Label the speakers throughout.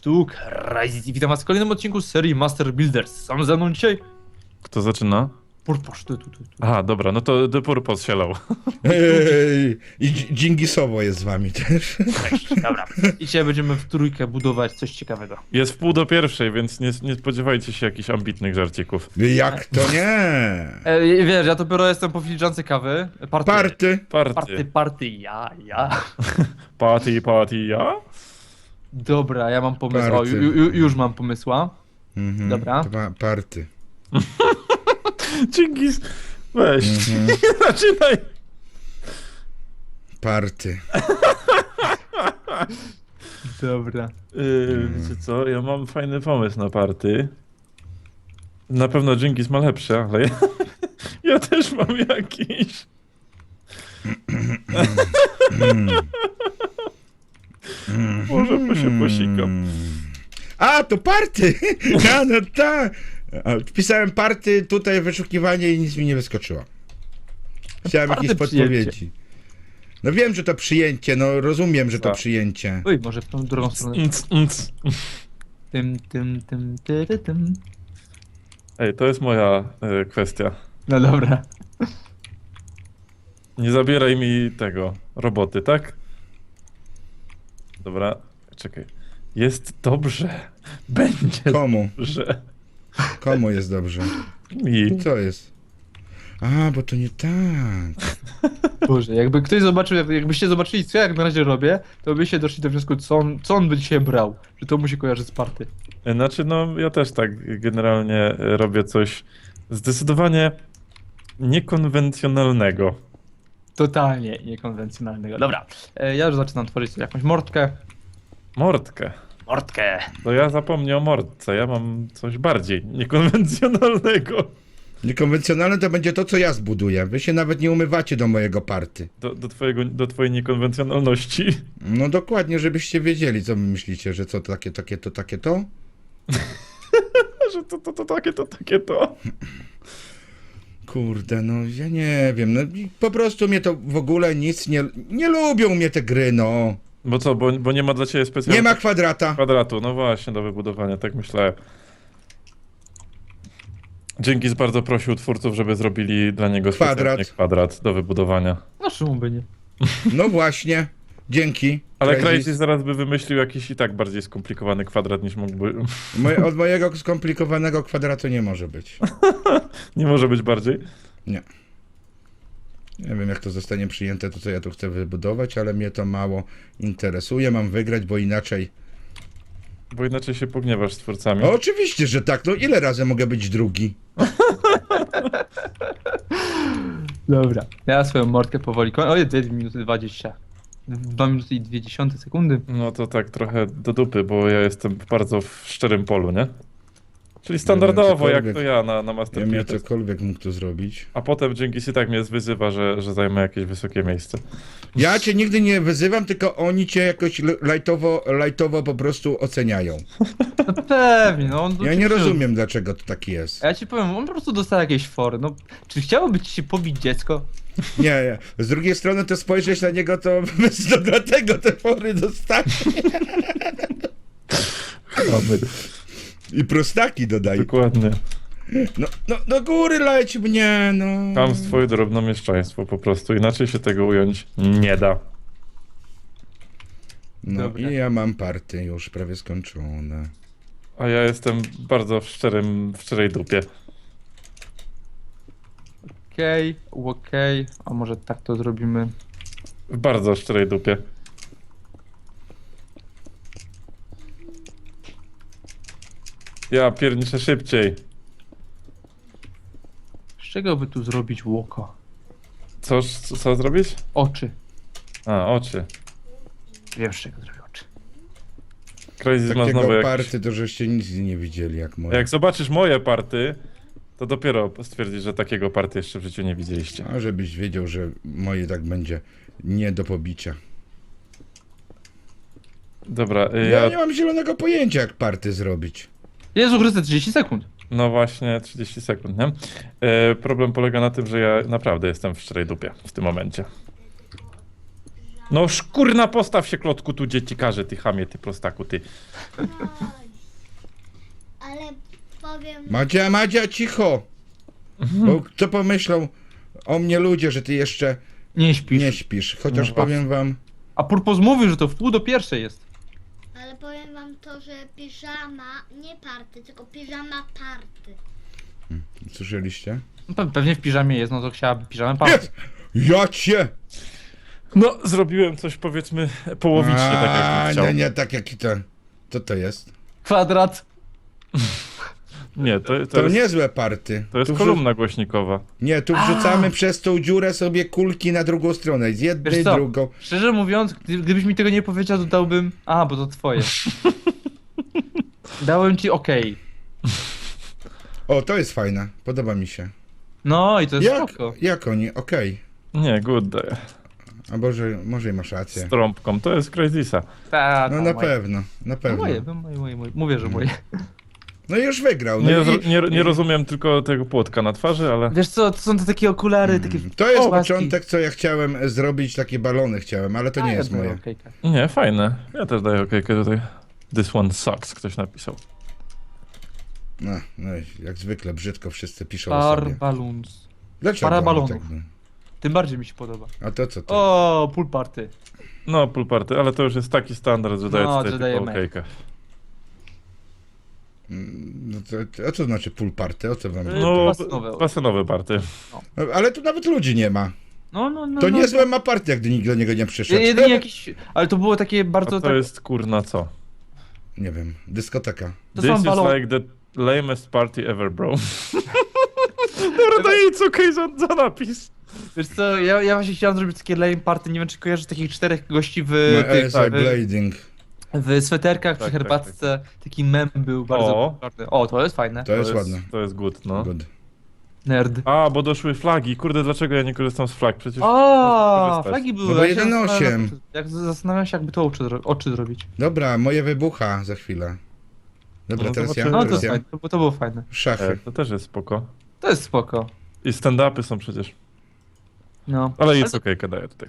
Speaker 1: sztuk. Rise. Witam was w kolejnym odcinku z serii Master Builders. Sam ze mną dzisiaj
Speaker 2: Kto zaczyna?
Speaker 1: Purposz, tu.
Speaker 2: Aha, dobra, no to The Purpose sielał.
Speaker 3: I Dżingisowo jest z wami też.
Speaker 1: Cześć, dobra. I dzisiaj będziemy w trójkę budować coś ciekawego.
Speaker 2: Jest 1:30, więc nie spodziewajcie się jakichś ambitnych żarcików.
Speaker 3: Jak to nie?
Speaker 1: Wiesz, ja dopiero jestem po filiżance kawy.
Speaker 3: Party.
Speaker 1: Party, ja.
Speaker 2: Party, ja?
Speaker 1: Dobra, ja mam pomysł. O,
Speaker 3: Party.
Speaker 1: już mam pomysła.
Speaker 3: Mhm.
Speaker 1: Dobra.
Speaker 3: Party.
Speaker 2: Dżingis, weź, nie zaczynaj.
Speaker 3: Party.
Speaker 1: Dobra.
Speaker 2: Wiecie co, ja mam fajny pomysł na party. Na pewno Dżingis ma lepszy, ale ja też mam jakiś. Może się posikam.
Speaker 3: A, to party! No tak. Wpisałem party, tutaj wyszukiwanie i nic mi nie wyskoczyło. Chciałem
Speaker 1: Party
Speaker 3: jakieś podpowiedzi. No wiem, że to przyjęcie, no rozumiem, że to
Speaker 2: Tak.
Speaker 3: przyjęcie.
Speaker 1: Oj, może w tą drugą stronę. Tym.
Speaker 2: Ej, to jest moja kwestia.
Speaker 1: No dobra.
Speaker 2: Nie zabieraj mi tego, roboty, tak? Dobra, czekaj. Jest dobrze. Będzie
Speaker 3: Komu?
Speaker 2: dobrze.
Speaker 3: Komu jest dobrze?
Speaker 2: Mi.
Speaker 3: Co jest? A, bo to nie tak.
Speaker 1: Boże, jakby ktoś zobaczył, jakbyście zobaczyli, co ja jak na razie robię, to byście doszli do wniosku, co on by dzisiaj brał. Że to mu się kojarzy z party.
Speaker 2: Znaczy, no ja też tak generalnie robię coś zdecydowanie niekonwencjonalnego.
Speaker 1: Totalnie niekonwencjonalnego. Dobra, ja już zaczynam tworzyć sobie jakąś mordkę.
Speaker 2: Mordkę.
Speaker 1: Mordkę.
Speaker 2: To ja zapomnę o mordce, ja mam coś bardziej niekonwencjonalnego.
Speaker 3: Niekonwencjonalne to będzie to, co ja zbuduję. Wy się nawet nie umywacie do mojego party.
Speaker 2: Do twojej niekonwencjonalności.
Speaker 3: No dokładnie, żebyście wiedzieli, co wy myślicie, że co takie to?
Speaker 2: Że to takie to.
Speaker 3: Kurde, no ja nie wiem, no i po prostu mnie to w ogóle nic nie lubią mnie te gry, no.
Speaker 2: Bo co, bo nie ma dla ciebie specjalnego
Speaker 3: Nie ma kwadrata.
Speaker 2: kwadratu, no właśnie, do wybudowania, tak myślałem. Dżingis bardzo prosił twórców, żeby zrobili dla niego specjalnie kwadrat do wybudowania.
Speaker 1: No czemu by nie?
Speaker 3: No właśnie, dzięki.
Speaker 2: Ale
Speaker 3: Crazy.
Speaker 2: Crazy zaraz by wymyślił jakiś i tak bardziej skomplikowany kwadrat niż mógłby.
Speaker 3: Od mojego skomplikowanego kwadratu nie może być.
Speaker 2: Nie może być bardziej.
Speaker 3: Nie. Nie wiem, jak to zostanie przyjęte, to co ja tu chcę wybudować, ale mnie to mało interesuje. Mam wygrać, bo inaczej...
Speaker 2: Bo inaczej się pogniewasz z twórcami.
Speaker 3: O, oczywiście, że tak. No ile razy mogę być drugi?
Speaker 1: Dobra, ja swoją mordkę powoli kończę. Oj, 2 minuty 20. 2 minuty i 20 sekundy.
Speaker 2: No to tak trochę do dupy, bo ja jestem bardzo w szczerym polu, nie? Czyli standardowo, jak to ja na
Speaker 3: Ja
Speaker 2: Master
Speaker 3: bym
Speaker 2: Builders.
Speaker 3: cokolwiek mógł tu zrobić.
Speaker 2: A potem Dżingis i tak mnie wyzywa, że zajmę jakieś wysokie miejsce.
Speaker 3: Ja cię nigdy nie wyzywam, tylko oni cię jakoś lajtowo po prostu oceniają.
Speaker 1: No pewnie, no on...
Speaker 3: Ja nie rozumiem, dlaczego to tak jest.
Speaker 1: A ja ci powiem, on po prostu dostał jakieś fory. No, czy chciałoby ci się pobić dziecko?
Speaker 3: Nie. Z drugiej strony to spojrzeć na niego, to dlatego te fory dostaje. I prostaki dodaję.
Speaker 2: Dokładnie.
Speaker 3: No, do góry leć mnie, no.
Speaker 2: Chamstwo i drobnomieszczaństwo po prostu. Inaczej się tego ująć nie da.
Speaker 3: No
Speaker 1: Dobra.
Speaker 3: i ja mam party już prawie skończone.
Speaker 2: A ja jestem bardzo w szczerej dupie.
Speaker 1: Okej. A może tak to zrobimy?
Speaker 2: W bardzo szczerej dupie. Ja pierniczę szybciej.
Speaker 1: Z czego by tu zrobić łoko?
Speaker 2: Co zrobić?
Speaker 1: Oczy.
Speaker 2: A, oczy.
Speaker 1: Wiem, z czego zrobię oczy.
Speaker 2: Crazy ma
Speaker 3: Takiego
Speaker 2: znowu
Speaker 3: party to żeście nic nie widzieli jak moje.
Speaker 2: Jak zobaczysz moje party, to dopiero stwierdzisz, że takiego party jeszcze w życiu nie widzieliście.
Speaker 3: A żebyś wiedział, że moje tak będzie nie do pobicia.
Speaker 2: Dobra,
Speaker 3: Ja nie mam zielonego pojęcia, jak party zrobić.
Speaker 1: Jezu Chryste, 30 sekund.
Speaker 2: No właśnie, 30 sekund, nie? Problem polega na tym, że ja naprawdę jestem w szczerej dupie w tym momencie. No szkurna, postaw się, klotku, tu dziecikarze, ty chamie, ty prostaku, ty.
Speaker 4: Oj. Ale powiem...
Speaker 3: Madzia, cicho! Bo co pomyślą o mnie ludzie, że ty jeszcze
Speaker 1: Nie śpisz.
Speaker 3: nie śpisz. Chociaż
Speaker 1: No
Speaker 3: powiem wam...
Speaker 1: A Purpos mówił, że to w pół do pierwszej jest.
Speaker 4: Ale powiem wam to, że piżama, nie party, tylko piżama party.
Speaker 3: Słyszeliście?
Speaker 1: No, pewnie w piżamie jest, no to chciała piżamę party.
Speaker 3: Jest! Ja cię!
Speaker 2: No, zrobiłem coś, powiedzmy, połowicznie, tak jakbym chciał.
Speaker 3: nie, tak jak i to. Co to jest?
Speaker 1: Kwadrat.
Speaker 2: Nie, to
Speaker 3: To
Speaker 2: jest,
Speaker 3: niezłe party.
Speaker 2: to jest
Speaker 3: Tu
Speaker 2: kolumna głośnikowa.
Speaker 3: Nie, tu wrzucamy przez tą dziurę sobie kulki na drugą stronę. Z jednej,
Speaker 1: Wiesz co?
Speaker 3: drugą.
Speaker 1: Szczerze mówiąc, gdybyś mi tego nie powiedział, to dałbym... A, bo to twoje. Dałem ci okej.
Speaker 3: O, to jest fajne. Podoba mi się.
Speaker 1: No i to jest
Speaker 3: Jak,
Speaker 1: spoko.
Speaker 3: jak oni? Okej.
Speaker 2: Nie, good day.
Speaker 3: A może i masz rację.
Speaker 2: Z trąbką, to jest Crazysa.
Speaker 1: Ta,
Speaker 3: No
Speaker 1: ta,
Speaker 3: na
Speaker 1: moje.
Speaker 3: pewno, na
Speaker 1: No
Speaker 3: pewno.
Speaker 1: moje. Mówię, że moje.
Speaker 3: No i już wygrał. No
Speaker 2: Nie,
Speaker 3: i,
Speaker 2: nie rozumiem tylko tego płotka na twarzy, ale...
Speaker 1: Wiesz co, to są te takie okulary, takie...
Speaker 3: to jest
Speaker 1: łaski.
Speaker 3: początek, co ja chciałem zrobić, takie balony chciałem, ale to nie
Speaker 1: A,
Speaker 3: jest
Speaker 1: ja
Speaker 3: moje.
Speaker 1: okejka.
Speaker 2: Nie, fajne. Ja też daję okejkę tutaj. This one sucks, ktoś napisał.
Speaker 3: No i jak zwykle brzydko wszyscy piszą o sobie.
Speaker 1: Balloons.
Speaker 3: Dlaczego?
Speaker 1: para
Speaker 3: oni
Speaker 1: balonów.
Speaker 3: tak-
Speaker 1: Tym bardziej mi się podoba.
Speaker 3: A to co to?
Speaker 1: O, pool party.
Speaker 2: No, pool party, ale to już jest taki standard, że daję
Speaker 1: No,
Speaker 2: tutaj
Speaker 1: że
Speaker 2: tylko
Speaker 1: dajemy.
Speaker 2: okejkę.
Speaker 3: No a co znaczy pool party? O co wam?
Speaker 2: No,
Speaker 1: basenowe.
Speaker 2: basenowe party.
Speaker 3: Ale tu nawet ludzi nie ma.
Speaker 1: No.
Speaker 3: To niezłe ma party, jak nikt do niego nie przyszedł.
Speaker 1: Jedynie jakiś... Ale to było takie bardzo...
Speaker 2: A to jest kurna co?
Speaker 3: Nie wiem, dyskoteka.
Speaker 1: To
Speaker 2: This
Speaker 1: są
Speaker 2: is
Speaker 1: balony.
Speaker 2: like the lamest party ever, bro. Dobra, daję nic okej za napis.
Speaker 1: Wiesz co, ja właśnie chciałem zrobić takie lame party, nie wiem czy kojarzysz takich 4 gości
Speaker 3: No,
Speaker 1: tych,
Speaker 3: ASI Blading.
Speaker 1: w sweterkach
Speaker 2: Tak,
Speaker 1: przy herbatce. Taki mem był bardzo
Speaker 2: O.
Speaker 1: popularny. O, to jest fajne.
Speaker 3: To jest ładne.
Speaker 2: To jest good, no.
Speaker 3: Good.
Speaker 1: Nerd.
Speaker 2: A, bo doszły flagi. Kurde, dlaczego ja nie korzystam z flag? Przecież
Speaker 1: O,
Speaker 2: można korzystać.
Speaker 1: flagi były.
Speaker 3: No bo
Speaker 1: ja się
Speaker 3: 1.8.
Speaker 1: zastanawiam, zastanawiam się, jakby to oczy zrobić.
Speaker 3: Dobra, moje wybucha za chwilę. Dobra,
Speaker 2: No,
Speaker 3: teraz ja.
Speaker 2: zobaczymy.
Speaker 1: No to
Speaker 3: Teraz
Speaker 1: jest
Speaker 3: ja.
Speaker 1: fajne, to było fajne.
Speaker 2: E,
Speaker 3: Szachy.
Speaker 2: to też jest spoko.
Speaker 1: To jest spoko.
Speaker 2: I stand-upy są przecież.
Speaker 1: No.
Speaker 2: Ale jest okejkę daję tutaj.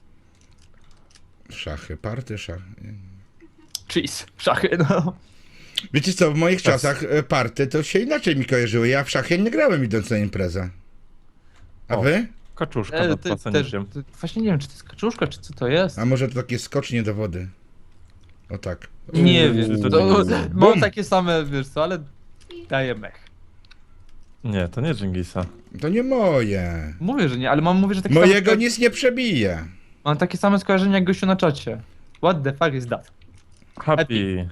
Speaker 3: Szachy, party, szachy.
Speaker 1: Cheese. Szachy, no.
Speaker 3: Wiecie co, w moich czasach party to się inaczej mi kojarzyły. Ja w szachy nie grałem idąc na imprezę. A
Speaker 2: O.
Speaker 3: wy?
Speaker 2: Kaczuszka
Speaker 1: Też,
Speaker 2: nad placenikiem.
Speaker 1: właśnie nie wiem, czy to jest kaczuszka, czy co to jest.
Speaker 3: A może to takie skocznie do wody? O tak.
Speaker 1: Nie wiem.
Speaker 2: to
Speaker 1: To,
Speaker 2: nie-
Speaker 1: mam
Speaker 3: Bum.
Speaker 1: takie same, wiesz co, ale daję mech.
Speaker 2: Nie, to nie Dżingisa.
Speaker 3: To nie moje.
Speaker 1: Mówię, że nie, ale mówię, że takie
Speaker 3: Mojego
Speaker 1: same,
Speaker 3: nic nie przebije.
Speaker 1: mam takie same skojarzenia jak gościu na czacie. What the fuck is that?
Speaker 2: Happy.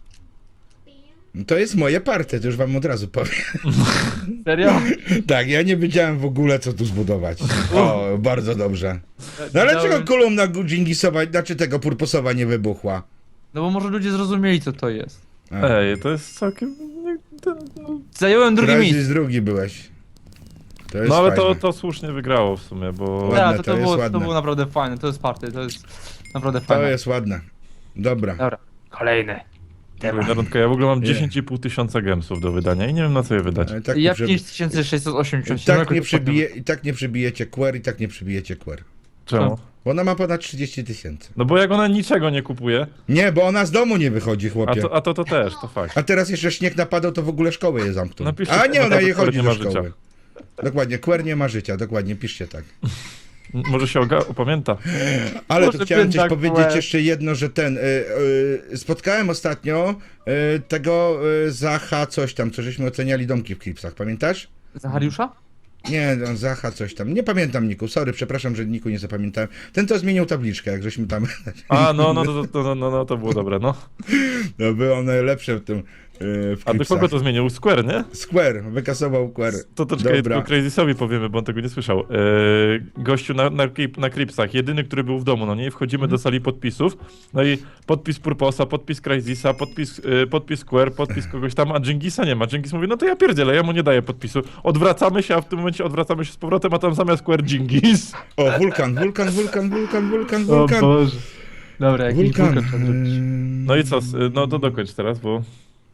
Speaker 3: To jest moje party, to już wam od razu powiem.
Speaker 1: Serio?
Speaker 3: Tak, ja nie wiedziałem w ogóle co tu zbudować. O, bardzo dobrze. No ale czego kolumna Dżingisowa, znaczy tego Purposowa nie wybuchła?
Speaker 1: No bo może ludzie zrozumieli, co to jest.
Speaker 3: A,
Speaker 2: Ej, to jest całkiem... No,
Speaker 1: Zająłem drugie miejsce.
Speaker 3: Crysis drugi byłeś. To jest
Speaker 2: no ale
Speaker 3: fajne.
Speaker 2: to słusznie wygrało w sumie, bo...
Speaker 3: Ładne,
Speaker 1: Ja,
Speaker 3: to
Speaker 1: to,
Speaker 3: jest
Speaker 1: było,
Speaker 3: ładne.
Speaker 1: to było naprawdę fajne, to jest party, to jest naprawdę
Speaker 3: To
Speaker 1: fajne.
Speaker 3: jest ładne. Dobra.
Speaker 1: Dobra, kolejny. Temat.
Speaker 2: Narodka, ja w ogóle mam
Speaker 3: Nie.
Speaker 2: 10,5 tysiąca gemsów do wydania i nie wiem na co je wydać.
Speaker 3: Ale tak
Speaker 1: Ja
Speaker 3: nie,
Speaker 1: 5687.
Speaker 3: i tak nie przybijecie query, i tak nie przybijecie query.
Speaker 2: Czemu?
Speaker 3: Bo ona ma ponad 30 000.
Speaker 2: No bo jak ona niczego nie kupuje,
Speaker 3: Nie, bo ona z domu nie wychodzi, chłopie.
Speaker 2: a to też, to fakt.
Speaker 3: A teraz jeszcze śnieg napadał, to w ogóle szkoły je zamknął.
Speaker 2: Napiszcie,
Speaker 3: A nie, ona
Speaker 2: naprawdę
Speaker 3: je
Speaker 2: queer
Speaker 3: chodzi
Speaker 2: nie
Speaker 3: do
Speaker 2: ma
Speaker 3: szkoły.
Speaker 2: życia.
Speaker 3: Dokładnie, queer nie ma życia, dokładnie, piszcie tak.
Speaker 2: Może się opamięta.
Speaker 3: Ale
Speaker 1: Może
Speaker 3: tu chciałem coś
Speaker 1: piętak
Speaker 3: powiedzieć
Speaker 1: queer.
Speaker 3: jeszcze jedno, że spotkałem ostatnio tego Zacha coś tam, co żeśmy oceniali domki w Klipsach, pamiętasz?
Speaker 1: Zachariusza?
Speaker 3: Nie, no, Zacha coś tam, nie pamiętam Niku, sorry, przepraszam, że Niku nie zapamiętałem. Ten to zmienił tabliczkę, jak żeśmy tam,
Speaker 2: A, no, to było dobre, no.
Speaker 3: no było najlepsze w tym w
Speaker 2: A do
Speaker 3: Klipsach.
Speaker 2: kogo to zmienił? Square, nie?
Speaker 3: Square, wykasował Square.
Speaker 2: To czekaj,
Speaker 3: Dobra.
Speaker 2: tylko Crazysowi powiemy, bo on tego nie słyszał. Gościu na Cripsach, jedyny, który był w domu, no nie? I wchodzimy do sali podpisów, no i podpis Purposa, podpis Crazisa, podpis Square, podpis kogoś tam, a Dżingisa nie ma. Dżingis mówi, no to ja pierdzielę, ja mu nie daję podpisu. Odwracamy się, a w tym momencie odwracamy się z powrotem, a tam zamiast Square Dżingis.
Speaker 3: O, wulkan.
Speaker 1: Boże. Dobra, jakiś
Speaker 3: Wulkan.
Speaker 1: wulkan trzeba zrobić.
Speaker 2: No i co, no to dokończ teraz, bo...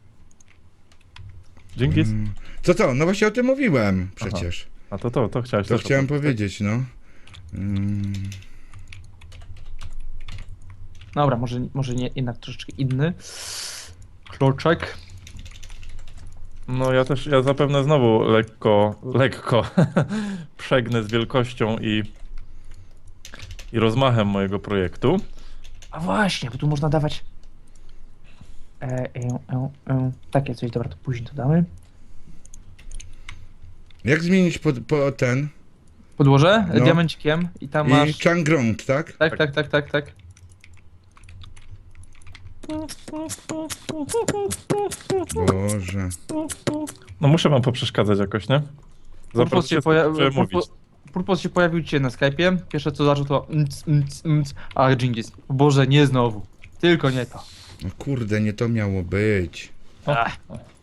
Speaker 2: Dżingis?
Speaker 3: Co to? No właśnie o tym mówiłem przecież.
Speaker 2: A to chciałeś
Speaker 3: To
Speaker 2: też
Speaker 3: chciałem
Speaker 2: opowiedzieć.
Speaker 3: powiedzieć, no.
Speaker 1: Dobra, może nie, jednak troszeczkę inny. Kloczek.
Speaker 2: No ja zapewne znowu lekko przegnę z wielkością i rozmachem mojego projektu.
Speaker 1: A właśnie, bo tu można dawać... Takie coś, dobra, to później to damy.
Speaker 3: Jak zmienić po ten?
Speaker 1: Podłożę
Speaker 3: No.
Speaker 1: diamencikiem i tam
Speaker 3: I
Speaker 1: masz...
Speaker 3: Changrong, tak?
Speaker 1: Tak.
Speaker 3: Boże.
Speaker 2: No muszę wam poprzeszkadzać jakoś, nie?
Speaker 1: Purpos się pojawił dzisiaj na Skype'ie. Pierwsze co zaczął to a Dżingis. Boże, nie znowu. Tylko nie to.
Speaker 3: No kurde, nie to miało być.
Speaker 1: Ach,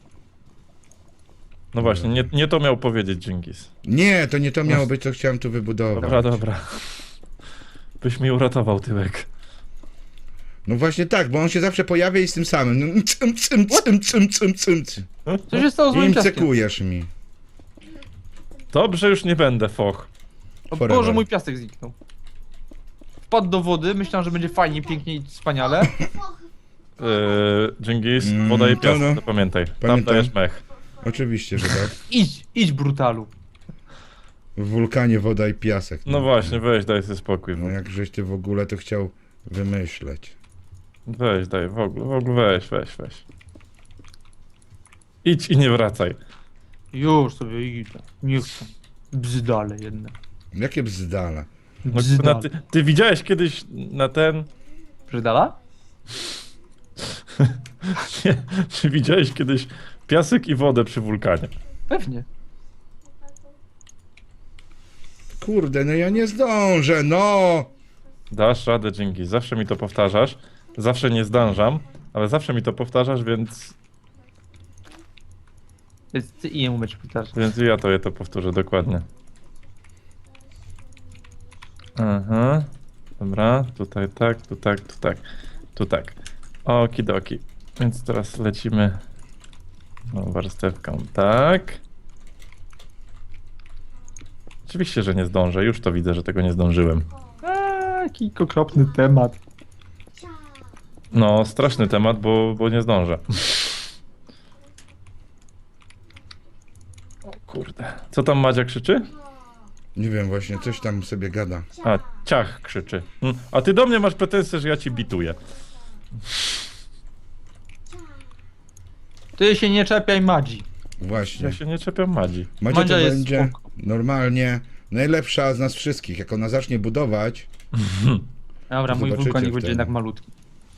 Speaker 2: No właśnie, nie to miał powiedzieć Dżingis.
Speaker 3: Nie, to nie to miało być, co chciałem tu wybudować.
Speaker 2: Dobra. Byś mi uratował tyłek.
Speaker 3: No właśnie tak, bo on się zawsze pojawia i z tym samym. No, cym.
Speaker 1: co się stało z
Speaker 3: I
Speaker 1: moim piaskiem?
Speaker 3: imcekujesz mi.
Speaker 2: Dobrze, już nie będę, foch.
Speaker 1: O
Speaker 3: Forever.
Speaker 1: Boże, mój piasek zniknął. Wpadł do wody, myślałem, że będzie fajnie, pięknie i wspaniale.
Speaker 2: Dżingis, woda i piasek,
Speaker 3: no.
Speaker 2: to pamiętaj. Tam
Speaker 3: Pamiętam.
Speaker 2: dajesz mech.
Speaker 3: Oczywiście, że tak.
Speaker 1: Idź brutalu.
Speaker 3: W wulkanie woda i piasek.
Speaker 2: No właśnie, weź, daj sobie spokój.
Speaker 3: No jak żeś ty w ogóle to chciał wymyśleć.
Speaker 2: Weź, daj, w ogóle weź. Idź i nie wracaj.
Speaker 1: Już sobie idę. Nie chcę. Bzdale jedne.
Speaker 3: Jakie bzdala.
Speaker 2: No,
Speaker 1: Bzdale.
Speaker 2: ty widziałeś kiedyś na ten...
Speaker 1: Bzdala?
Speaker 2: Nie, czy widziałeś kiedyś piasek i wodę przy wulkanie?
Speaker 1: Pewnie.
Speaker 3: Kurde, no ja nie zdążę, no!
Speaker 2: Dasz radę, Dżingis, zawsze mi to powtarzasz. Zawsze nie zdążam, ale zawsze mi to powtarzasz, więc
Speaker 1: Więc ty i jemu będzie pytać.
Speaker 2: ja to powtórzę dokładnie. Aha. Dobra, tutaj tak, tu tak. Okidoki. Więc teraz lecimy warstewką, tak. Oczywiście, że nie zdążę, już to widzę, że tego nie zdążyłem.
Speaker 1: Jaki okropny temat.
Speaker 2: No, straszny temat, bo nie zdążę. O kurde. Co tam Madzia krzyczy?
Speaker 3: Nie wiem, właśnie, coś tam sobie gada.
Speaker 2: A, ciach krzyczy. A ty do mnie masz pretensje, że ja ci bituję.
Speaker 1: Ty się nie czepiaj Madzi.
Speaker 3: Właśnie.
Speaker 2: Ja się nie czepiam Madzi.
Speaker 3: Macie to
Speaker 1: Madzia jest
Speaker 3: będzie
Speaker 1: spoko.
Speaker 3: normalnie najlepsza z nas wszystkich. Jak ona zacznie budować,
Speaker 1: Dobra, mój
Speaker 3: Zobaczycie
Speaker 1: wulkanik
Speaker 3: wtedy.
Speaker 1: będzie jednak malutki.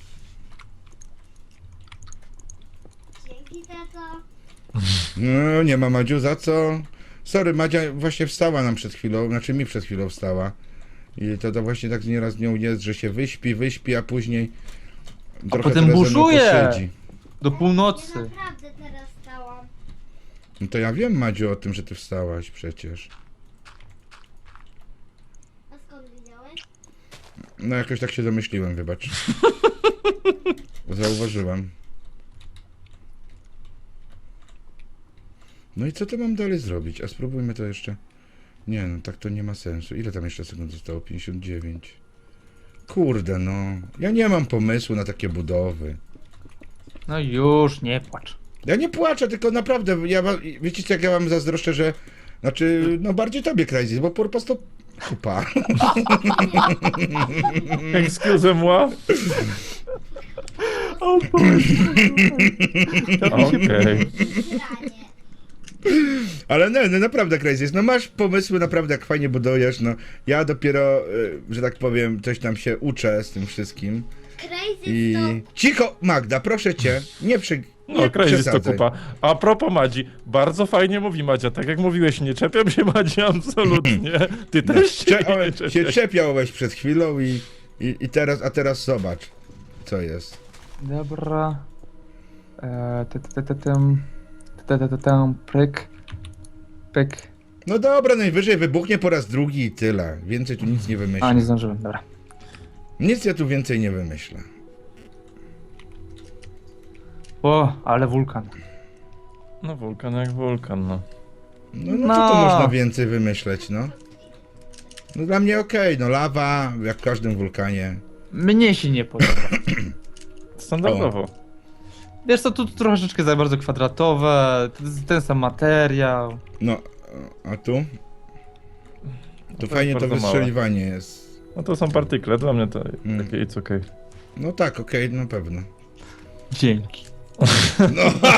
Speaker 4: Dzięki, tato.
Speaker 3: no nie ma Madziu za co. Sorry, Madzia właśnie wstała nam przed chwilą, znaczy mi przed chwilą wstała. I to właśnie tak nieraz z nią jest, że się wyśpi, a później trochę
Speaker 1: potem
Speaker 3: teraz ze mną
Speaker 1: buszuje.
Speaker 3: posiedzi.
Speaker 1: Do
Speaker 4: Ja
Speaker 1: północy.
Speaker 4: naprawdę teraz stałam.
Speaker 3: No to ja wiem, Madziu, o tym, że ty wstałaś przecież.
Speaker 4: A skąd wiedziałeś?
Speaker 3: No jakoś tak się domyśliłem, wybacz. Zauważyłem. No i co to mam dalej zrobić? A spróbujmy to jeszcze. Nie no, tak to nie ma sensu. Ile tam jeszcze sekund zostało? 59. Kurde no. Ja nie mam pomysłu na takie budowy.
Speaker 1: No już, nie płacz.
Speaker 3: Ja nie płaczę, tylko naprawdę, wiecie co, jak ja wam zazdroszczę, że... Znaczy, no bardziej tobie, Crazy, bo po prostu... Kupa.
Speaker 2: Excuse moi? Okej.
Speaker 4: Granie.
Speaker 3: Ale no naprawdę crazy jest. No masz pomysły, naprawdę jak fajnie budujesz, no. Ja dopiero, że tak powiem, coś tam się uczę z tym wszystkim.
Speaker 4: Crazy
Speaker 3: I...
Speaker 4: to...
Speaker 3: Cicho, Magda, proszę cię, nie
Speaker 2: No, crazy to
Speaker 3: przesadzaj.
Speaker 2: kupa. A propos Madzi, bardzo fajnie mówi Madzia. Tak jak mówiłeś, nie czepiam się Madzi absolutnie. Ty też się nie
Speaker 3: Się
Speaker 2: czepiasz.
Speaker 3: czepiałeś przed chwilą i teraz, a teraz zobacz, co jest.
Speaker 1: Dobra. Pyk.
Speaker 3: No dobra, najwyżej wybuchnie po raz drugi i tyle. Więcej tu nic nie
Speaker 1: A,
Speaker 3: wymyślę.
Speaker 1: nie zdążyłem, dobra.
Speaker 3: Nic ja tu więcej nie wymyślę.
Speaker 1: O, ale wulkan.
Speaker 2: No wulkan jak wulkan, no.
Speaker 3: No co tu można więcej wymyśleć, no? No dla mnie okej, no lawa, jak w każdym wulkanie.
Speaker 1: Mnie się nie podoba.
Speaker 2: Standardowo.
Speaker 1: Wiesz co, tu troszeczkę za bardzo kwadratowe, ten sam materiał.
Speaker 3: No, a tu?
Speaker 2: To
Speaker 3: Tu fajnie
Speaker 2: jest
Speaker 3: to
Speaker 2: bardzo
Speaker 3: wystrzeliwanie jest.
Speaker 2: No to są partykle, dla mnie to
Speaker 3: Mm.
Speaker 2: takie it's okay.
Speaker 3: No tak, okej, na pewno.
Speaker 1: Dzięki.
Speaker 3: No.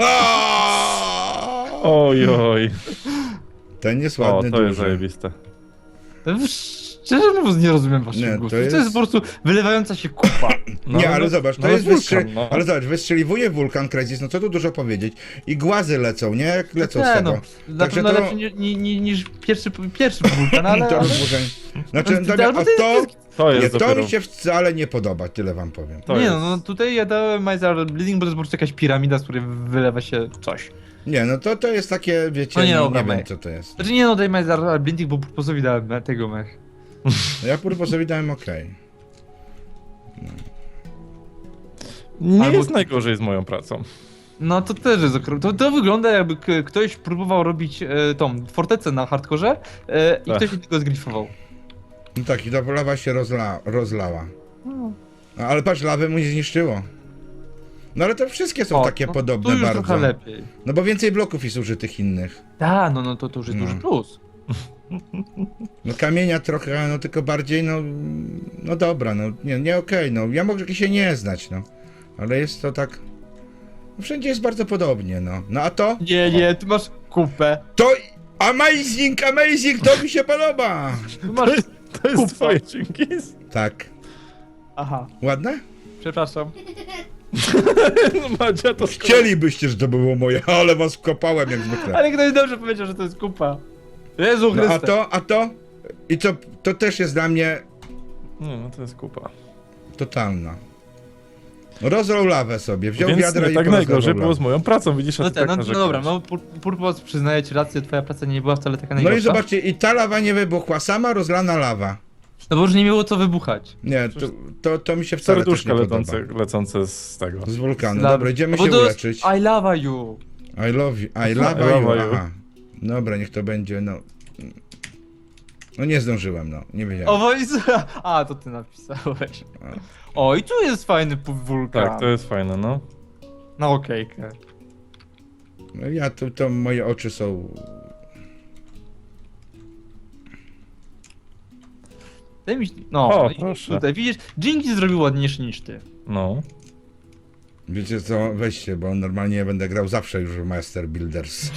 Speaker 2: Oj.
Speaker 3: Ten jest
Speaker 2: O,
Speaker 3: ładny,
Speaker 2: to jest
Speaker 3: duży.
Speaker 2: zajebiste.
Speaker 1: Szczerze mówiąc nie rozumiem waszych
Speaker 3: Nie, to
Speaker 1: gustów.
Speaker 3: jest-
Speaker 1: To jest po prostu wylewająca się kupa.
Speaker 2: No,
Speaker 3: Nie, ale
Speaker 2: no,
Speaker 3: zobacz, to
Speaker 2: no,
Speaker 3: jest
Speaker 2: wulkan, no.
Speaker 3: Ale zobacz, wystrzeliwuje wulkan Crysis, no co tu dużo powiedzieć. I głazy lecą, nie? Jak lecą z tego.
Speaker 1: Na
Speaker 3: Także
Speaker 1: pewno
Speaker 3: to-
Speaker 1: lepszy niż pierwszy wulkan, ale...
Speaker 3: To rozłożenie. Znaczy,
Speaker 1: No,
Speaker 3: dobra,
Speaker 1: albo
Speaker 3: a
Speaker 1: to jest-
Speaker 3: to...
Speaker 2: To
Speaker 3: Nie,
Speaker 2: jest
Speaker 3: to
Speaker 2: dopiero...
Speaker 3: mi się wcale nie podoba, tyle wam powiem.
Speaker 2: To
Speaker 1: nie
Speaker 2: jest...
Speaker 1: no, tutaj ja dałem Miser Bleeding, bo to jest po prostu jakaś piramida, z której wylewa się coś.
Speaker 3: Nie, no to jest takie, wiecie,
Speaker 1: No nie,
Speaker 3: nie,
Speaker 1: dobra,
Speaker 3: nie wiem
Speaker 1: mech.
Speaker 3: co to jest.
Speaker 1: Znaczy nie no, daj Miser Bleeding, bo Purposowi dałem tego mech.
Speaker 3: No ja Purposowi dałem okej.
Speaker 2: Nie
Speaker 1: Albo-
Speaker 2: jest najgorzej z moją pracą.
Speaker 1: No to też jest to wygląda jakby ktoś próbował robić tą fortecę na hardkorze i
Speaker 2: Tak.
Speaker 1: ktoś innego zgrifował.
Speaker 3: No tak, i ta lawa się rozlała. No, ale patrz, lawy mu nie zniszczyło. No ale to wszystkie są takie
Speaker 1: no,
Speaker 3: podobne
Speaker 1: tu już
Speaker 3: bardzo.
Speaker 1: trochę lepiej.
Speaker 3: No bo więcej bloków jest użytych innych.
Speaker 1: Da, no to już jest
Speaker 3: No.
Speaker 1: duży plus.
Speaker 3: No kamienia trochę, no tylko bardziej, no dobra, no nie okej, no ja mogę się nie znać, no. Ale jest to tak, no, wszędzie jest bardzo podobnie, no. No a to?
Speaker 1: Nie, tu masz kupę.
Speaker 3: To amazing, to mi się podoba!
Speaker 1: Tu masz...
Speaker 2: To jest
Speaker 1: Kupa.
Speaker 2: twoje Jenkins?
Speaker 3: Tak.
Speaker 1: Aha,
Speaker 3: Ładne?
Speaker 1: przepraszam.
Speaker 2: No Madzia to
Speaker 3: Chcielibyście, że to było moje, ale was wkopałem jak zwykle.
Speaker 1: Ale ktoś dobrze powiedział, że to jest kupa. Jezu
Speaker 3: No
Speaker 1: Chryste.
Speaker 3: a to? I to też jest dla mnie
Speaker 2: Nie, no to jest kupa.
Speaker 3: totalna. Rozlał lawę sobie, wziął
Speaker 2: Więc
Speaker 3: wiadra
Speaker 2: nie
Speaker 3: i
Speaker 2: tak
Speaker 3: porozlewał
Speaker 2: najgorzej było z
Speaker 3: lawę.
Speaker 2: moją pracą, widzisz, a
Speaker 1: No,
Speaker 2: ty tak
Speaker 1: no
Speaker 2: narzekasz.
Speaker 1: dobra, no Purpos przyznaję ci rację, twoja praca nie była wcale taka
Speaker 3: No
Speaker 1: najgorsza.
Speaker 3: i zobaczcie, i ta lawa nie wybuchła, sama rozlana lawa.
Speaker 1: No bo już nie miało co wybuchać.
Speaker 3: Nie, to mi się wcale też
Speaker 2: Serduszka
Speaker 3: nie podoba.
Speaker 2: lecące z tego.
Speaker 3: Z wulkanu.
Speaker 1: Dla-
Speaker 3: Dobra, idziemy
Speaker 1: bo
Speaker 3: się
Speaker 1: to jest
Speaker 3: uleczyć.
Speaker 1: I love you.
Speaker 3: I love you. I
Speaker 2: I
Speaker 3: love
Speaker 2: love
Speaker 3: you.
Speaker 2: you.
Speaker 3: Aha. Dobra, niech to będzie, no. No nie zdążyłem, no. Nie
Speaker 1: O,
Speaker 3: wiedziałem.
Speaker 1: wojsu. A, to ty napisałeś. O, i tu jest fajny wulkan.
Speaker 2: Tak, to jest fajne, no.
Speaker 1: Na okejkę.
Speaker 3: No ja, to moje oczy są...
Speaker 1: Daj mi... No,
Speaker 2: O,
Speaker 1: no i
Speaker 2: proszę.
Speaker 1: tutaj widzisz, Jinky zrobił ładniejszy niż ty.
Speaker 2: No.
Speaker 3: Wiecie co, weźcie, bo normalnie będę grał zawsze już w Master Builders.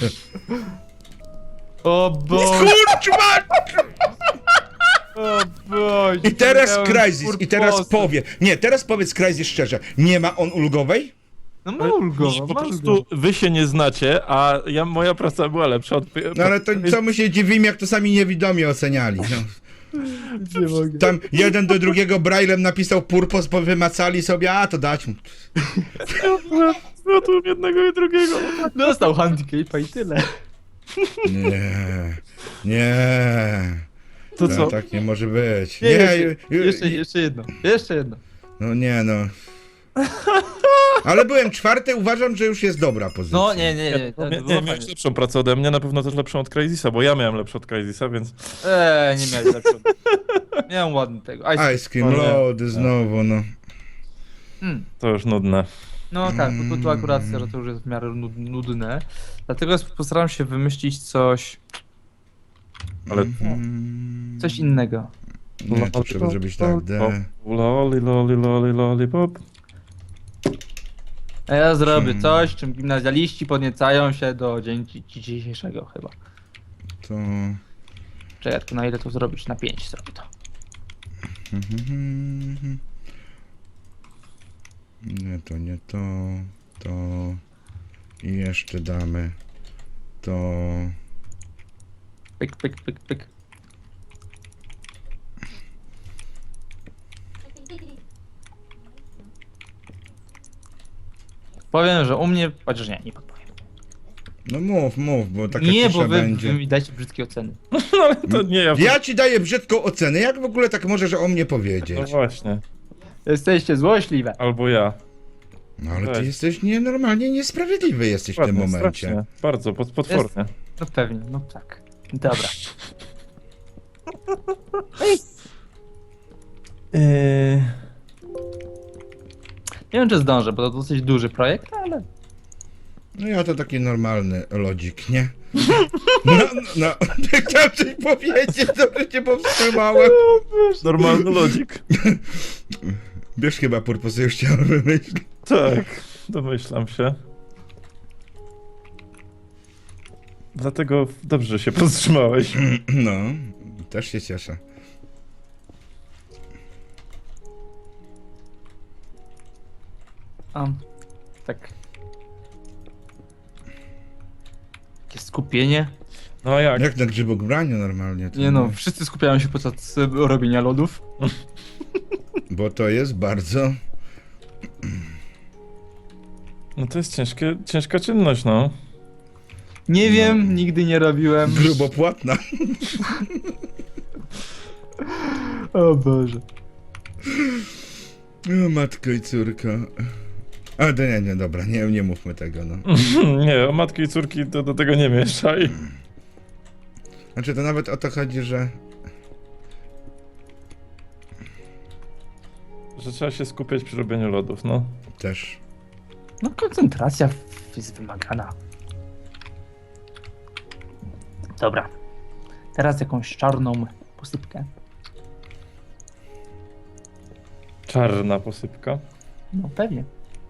Speaker 1: O Boże,
Speaker 3: Kurczma!
Speaker 1: o Boże.
Speaker 3: I teraz
Speaker 1: miałem
Speaker 3: Crysis, i teraz
Speaker 1: purposy.
Speaker 3: powie. Nie, teraz powiedz Crysis szczerze, nie ma on ulgowej?
Speaker 1: No ma ulgowa,
Speaker 2: Po
Speaker 1: ma
Speaker 2: prostu
Speaker 1: ulgowa.
Speaker 2: wy się nie znacie, a moja praca była lepsza od...
Speaker 3: No ale to co my się dziwimy, jak to sami niewidomi oceniali. No.
Speaker 1: Nie mogę.
Speaker 3: Tam jeden do drugiego braillem napisał purpos, bo wymacali sobie, a to dać mu.
Speaker 2: Zmiotłem jednego i drugiego.
Speaker 1: Dostał handicapa i tyle.
Speaker 3: Nie.
Speaker 2: To
Speaker 3: No,
Speaker 2: co?
Speaker 3: tak nie może być.
Speaker 1: Nie,
Speaker 3: Nie,
Speaker 1: jeszcze jedno. Jeszcze jedno.
Speaker 3: No nie no. Ale byłem czwarty, uważam, że już jest dobra pozycja.
Speaker 1: No nie.
Speaker 2: Nie, miałeś lepszą pracę ode mnie, na pewno też lepszą od Crysisa, bo ja miałem lepszą od Crysisa, więc...
Speaker 1: Nie miałeś lepszego. Miałem ładny tego.
Speaker 3: Ice Cream
Speaker 2: O nie.
Speaker 3: Lody znowu, no.
Speaker 2: To już nudne.
Speaker 1: No tak, bo tu akurat to już jest w miarę nudne. Dlatego postaram się wymyślić coś
Speaker 2: Ale...
Speaker 1: coś innego.
Speaker 3: Nie, to trzeba zrobić tak, D.
Speaker 2: Loli, pop.
Speaker 1: A ja zrobię coś, czym gimnazjaliści podniecają się do dzień dzisiejszego chyba.
Speaker 3: To...
Speaker 1: Czekaj, tylko na ile to zrobić? Na 5 zrobię to.
Speaker 3: Nie to. To... I jeszcze damy. To...
Speaker 1: Pyk, pyk, pyk, pyk. Powiem, że u mnie, chociaż nie podpowiem.
Speaker 3: No mów, bo taka
Speaker 1: Nie,
Speaker 3: cisza
Speaker 1: bo wy
Speaker 3: będzie.
Speaker 1: mi dajcie brzydkie oceny.
Speaker 2: No ale to nie ja.
Speaker 3: Ja ci daję brzydką ocenę, jak w ogóle tak możesz o mnie
Speaker 2: No
Speaker 3: powiedzieć?
Speaker 2: właśnie.
Speaker 1: Jesteście złośliwe.
Speaker 2: Albo ja.
Speaker 3: No ale ty
Speaker 2: Weź.
Speaker 3: jesteś normalnie niesprawiedliwy jesteś w tym
Speaker 2: Ładnie,
Speaker 3: momencie.
Speaker 2: strasznie. Bardzo, potwornie.
Speaker 1: No pewnie, no tak. Dobra. Nie wiem, czy zdążę, bo to dosyć duży projekt, ale...
Speaker 3: No ja to taki normalny lodzik, nie? No, chciałem coś powiedzieć, dobrze cię powstrzymałem.
Speaker 2: Normalny lodzik.
Speaker 3: Wiesz, chyba Purpose już chciałem wymyślić.
Speaker 2: Tak, domyślam się. Dlatego dobrze, że się powstrzymałeś.
Speaker 3: No, też się cieszę.
Speaker 1: Tak. Takie skupienie.
Speaker 2: No a jak?
Speaker 3: Jak na grzybobraniu normalnie. to
Speaker 1: Nie no, wszyscy skupiają się podczas robienia lodów.
Speaker 3: Bo to jest bardzo...
Speaker 2: No to jest ciężka czynność, no.
Speaker 1: Nie wiem, nigdy nie robiłem.
Speaker 3: grubopłatna.
Speaker 1: O Boże.
Speaker 3: O, matko i córko. A, to nie, dobra, nie mówmy tego, no.
Speaker 2: Nie, o matki i córki to do tego nie mieszaj.
Speaker 3: Znaczy, to nawet o to chodzi, że...
Speaker 2: Że trzeba się skupiać przy robieniu lodów, no.
Speaker 3: Też.
Speaker 1: No koncentracja jest wymagana. Dobra. Teraz jakąś czarną posypkę.
Speaker 2: Czarna posypka.
Speaker 1: No pewnie.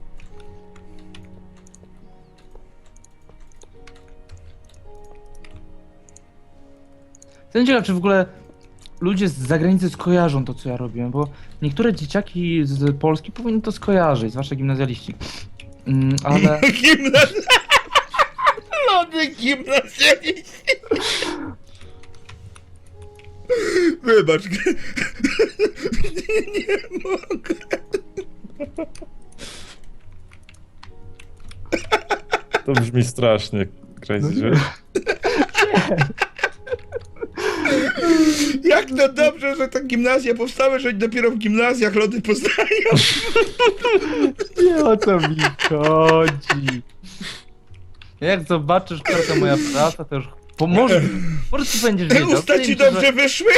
Speaker 1: Jestem ciekaw, czy w ogóle ludzie z zagranicy skojarzą to, co ja robiłem, bo niektóre dzieciaki z Polski powinny to skojarzyć, zwłaszcza gimnazjaliści. Ale...
Speaker 3: Lody gimnazjaliści. Wybacz. Nie mogę.
Speaker 2: To brzmi strasznie, Crazy, że...
Speaker 3: Jak to dobrze, że te gimnazja powstały, że dopiero w gimnazjach lody poznają.
Speaker 1: Nie o co mi chodzi. Jak zobaczysz, jaka moja praca, to już pomoże. Może ty będziesz
Speaker 3: Te
Speaker 1: wiedział.
Speaker 3: usta ci
Speaker 1: Wydaje mi się,
Speaker 3: dobrze wyszły?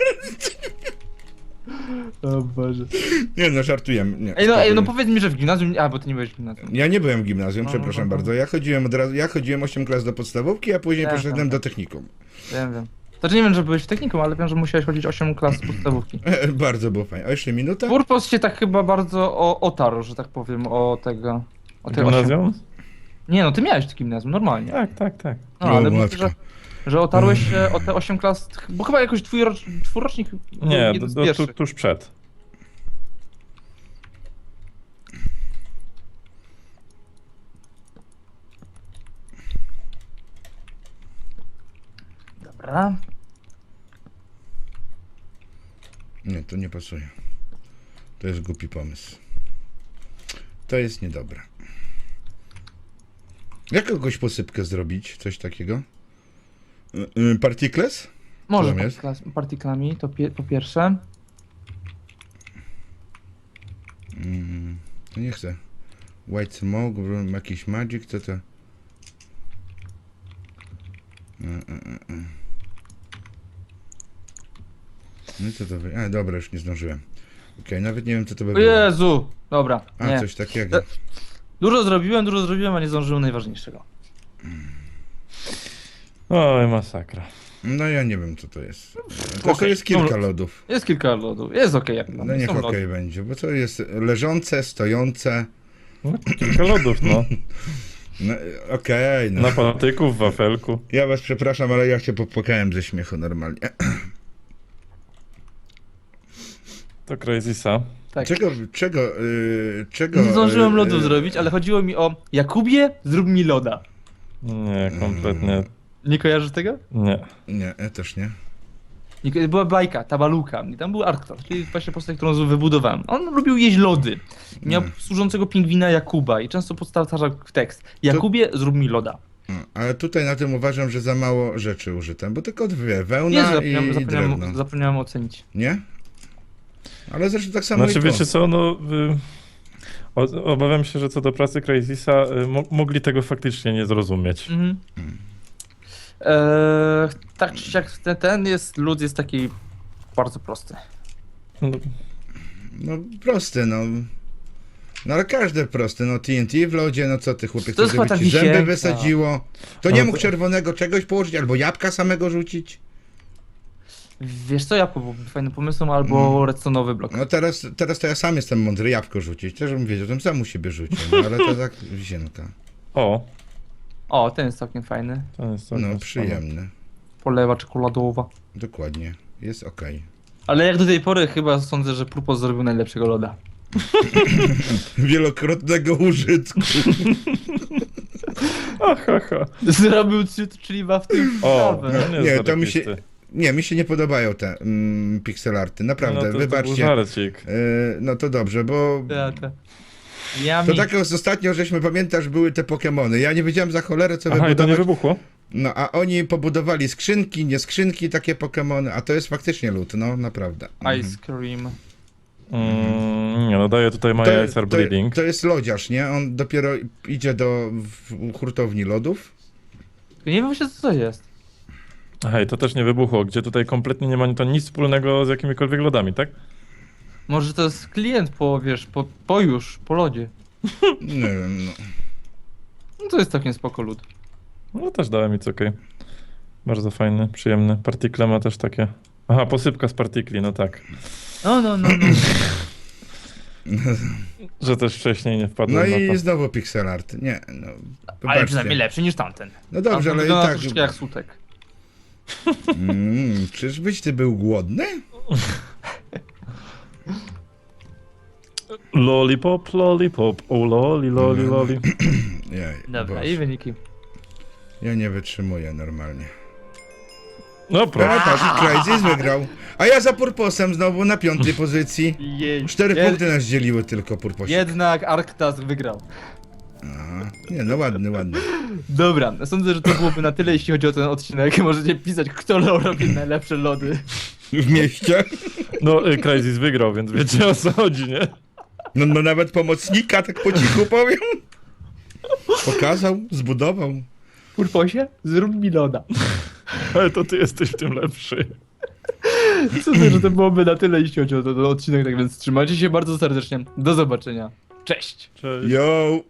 Speaker 1: O Boże.
Speaker 3: Nie no, żartujemy. Nie,
Speaker 1: Ej, no
Speaker 3: spokojnie.
Speaker 1: powiedz mi, że w gimnazjum... A, bo ty nie byłeś w gimnazjum.
Speaker 3: Ja nie byłem w gimnazjum,
Speaker 1: No,
Speaker 3: przepraszam
Speaker 1: no, no.
Speaker 3: bardzo. Ja chodziłem od razu, ja chodziłem 8 klas do podstawówki, a później
Speaker 1: Tak,
Speaker 3: poszedłem
Speaker 1: tak,
Speaker 3: do
Speaker 1: tak.
Speaker 3: technikum.
Speaker 1: Wiem. Znaczy nie wiem, że byłeś w technikum, ale wiem, że musiałeś chodzić 8 klas z podstawówki.
Speaker 3: Bardzo było fajnie. A jeszcze minuta?
Speaker 1: Purpos się tak chyba bardzo otarł, że tak powiem, o tego... O te
Speaker 2: Gimnazjum?
Speaker 1: 8... Nie no, ty miałeś to gimnazjum, normalnie.
Speaker 2: Tak.
Speaker 1: No,
Speaker 3: O,
Speaker 1: ale myślę,
Speaker 3: matko.
Speaker 1: że otarłeś się o te 8 klas, bo chyba jakoś twój czwórrocznik był
Speaker 2: Nie,
Speaker 1: jeden z pierwszych.
Speaker 2: tuż przed.
Speaker 1: Dobra.
Speaker 3: Nie, to nie pasuje. To jest głupi pomysł. To jest niedobre. Jak kogoś posypkę zrobić? Coś takiego? Particles?
Speaker 1: Może
Speaker 3: tam jest?
Speaker 1: partiklami, to po pierwsze.
Speaker 3: To nie chcę. White smoke, jakiś magic, co to? No i co to wy... A, dobra, już nie zdążyłem. Okej, nawet nie wiem, co to by
Speaker 1: O
Speaker 3: było.
Speaker 1: Jezu! Dobra,
Speaker 3: A,
Speaker 1: nie.
Speaker 3: coś takiego.
Speaker 1: Dużo zrobiłem, a nie zdążyłem najważniejszego.
Speaker 2: Oj, masakra.
Speaker 3: No ja nie wiem, co to jest. To
Speaker 1: Okej,
Speaker 3: jest kilka
Speaker 1: dobra.
Speaker 3: lodów.
Speaker 1: Jest kilka lodów, jest okej jak dla
Speaker 3: No
Speaker 1: mnie,
Speaker 3: niech
Speaker 1: są lody.
Speaker 3: okej będzie, bo to jest leżące, stojące.
Speaker 2: No, kilka lodów, no.
Speaker 3: No, okej, no.
Speaker 2: Na patyku, w wafelku.
Speaker 3: Ja was przepraszam, ale ja się popłakałem ze śmiechu normalnie.
Speaker 2: To Crazysa.
Speaker 1: Tak.
Speaker 3: Czego...
Speaker 1: Nie zdążyłem lodów zrobić, ale chodziło mi o Jakubie, zrób mi loda.
Speaker 2: Nie, kompletnie
Speaker 1: Nie kojarzysz tego?
Speaker 2: nie.
Speaker 3: Nie, ja też nie.
Speaker 1: Była bajka, Tabaluka, i tam był Arktos, czyli właśnie postać, którą wybudowałem. On lubił jeść lody. Miał służącego pingwina Jakuba i często powtarzał tekst. Jakubie, zrób mi loda.
Speaker 3: No, ale tutaj na tym uważam, że za mało rzeczy użyłem, bo tylko dwie,
Speaker 1: Nie,
Speaker 3: wełna i drewno.
Speaker 1: zapomniałem ocenić.
Speaker 3: Nie? Ale zresztą tak samo
Speaker 2: Znaczy,
Speaker 3: i to.
Speaker 2: wiecie co, no... Obawiam się, że co do pracy Crazysa, mogli tego faktycznie nie zrozumieć.
Speaker 1: Mhm. Tak czy siak, lód jest taki bardzo prosty.
Speaker 2: No,
Speaker 3: No proste, no. No ale każde proste, no TNT w lodzie, no co ty chłopie,
Speaker 1: To jest
Speaker 3: chcesz, żeby
Speaker 1: chyba
Speaker 3: ci
Speaker 1: ta
Speaker 3: zęby
Speaker 1: wisienka.
Speaker 3: wysadziło? To nie
Speaker 2: Ale
Speaker 3: mógł
Speaker 2: to-
Speaker 3: czerwonego czegoś położyć, albo jabłka samego rzucić?
Speaker 1: Wiesz co, jabłko byłoby fajnym pomysłem, albo redstone'owy blok.
Speaker 3: No teraz to ja sam jestem mądry, jabłko rzucić. Też bym wiedział, to sam u siebie rzucił, no, ale to tak wisienka.
Speaker 2: O,
Speaker 1: O, ten jest całkiem fajny.
Speaker 2: to jest całkiem
Speaker 3: No
Speaker 2: spoko.
Speaker 3: przyjemne,
Speaker 1: Polewa czekoladowa.
Speaker 3: dokładnie, jest okej.
Speaker 1: Ale jak do tej pory chyba sądzę, że Purpos zrobił najlepszego loda.
Speaker 3: Wielokrotnego użytku.
Speaker 2: Ha.
Speaker 1: Zrobił czytliwa w tym
Speaker 2: O,
Speaker 1: sprawę.
Speaker 2: no
Speaker 3: Nie,
Speaker 2: jest
Speaker 3: to mi się-
Speaker 2: zarobisty.
Speaker 3: Nie, mi się nie podobają te pixelarty, naprawdę,
Speaker 2: No to był
Speaker 3: wybaczcie.
Speaker 2: żarcik.
Speaker 3: No to dobrze, bo
Speaker 1: Ja
Speaker 3: to
Speaker 1: mi...
Speaker 3: tak jak ostatnio, żeśmy, pamiętasz, były te Pokemony. Ja nie wiedziałem za cholerę, co
Speaker 2: Aha, i to nie
Speaker 3: wybudować.
Speaker 2: wybuchło?
Speaker 3: No, a oni pobudowali skrzynki, nie skrzynki, takie Pokemony, a to jest faktycznie lód, no, naprawdę.
Speaker 1: Ice cream.
Speaker 2: Nie, no daję tutaj My Eyes Are Bleeding.
Speaker 3: to jest lodziarz, nie? On dopiero idzie do hurtowni lodów.
Speaker 1: Nie wiem właśnie co to jest.
Speaker 2: Hej, to też nie wybuchło, gdzie tutaj kompletnie nie ma to nic wspólnego z jakimikolwiek lodami, tak?
Speaker 1: Może to jest klient po, wiesz, po lodzie.
Speaker 3: Nie wiem, no.
Speaker 1: No to jest całkiem spoko lód.
Speaker 2: No też dałem nic, okej. Bardzo fajny, przyjemny. Partikle ma też takie... Aha, posypka z partikli, no tak.
Speaker 1: No.
Speaker 2: Że też wcześniej nie
Speaker 3: No
Speaker 2: wpadłem na
Speaker 3: i
Speaker 2: to.
Speaker 3: znowu pixel art. Nie, no.
Speaker 1: Ale
Speaker 3: Wybaczcie.
Speaker 1: przynajmniej lepszy niż tamten.
Speaker 3: No dobrze,
Speaker 1: Tamten
Speaker 3: ale i
Speaker 1: wygląda
Speaker 3: tak.
Speaker 1: troszeczkę jak sutek.
Speaker 3: Czyżbyś ty był głodny?
Speaker 2: Lollipop, lollipop, o loli.
Speaker 3: Nie,
Speaker 1: Dobra,
Speaker 3: Boże.
Speaker 1: i wyniki.
Speaker 3: Ja nie wytrzymuję normalnie.
Speaker 2: No proszę.
Speaker 3: Patrz, Crysis wygrał. A ja za Purposem znowu na 5. pozycji.
Speaker 1: Jej.
Speaker 3: 4 punkty nas dzieliły tylko Purposie.
Speaker 1: Jednak Arktas wygrał.
Speaker 3: Aha. Nie, no ładny.
Speaker 1: Dobra, sądzę, że to byłoby na tyle, jeśli chodzi o ten odcinek. Możecie pisać, kto robi najlepsze lody.
Speaker 3: W mieście.
Speaker 2: No, Crysis wygrał, więc wiecie o co chodzi, nie?
Speaker 3: No nawet pomocnika, tak po cichu powiem. Pokazał, zbudował.
Speaker 1: Purposie, zrób mi loda.
Speaker 2: Ale to ty jesteś w tym lepszy.
Speaker 1: Sądzę, że to byłoby na tyle, jeśli chodzi o ten odcinek, tak więc trzymajcie się bardzo serdecznie. Do zobaczenia. Cześć!
Speaker 2: Cześć.
Speaker 3: Yo!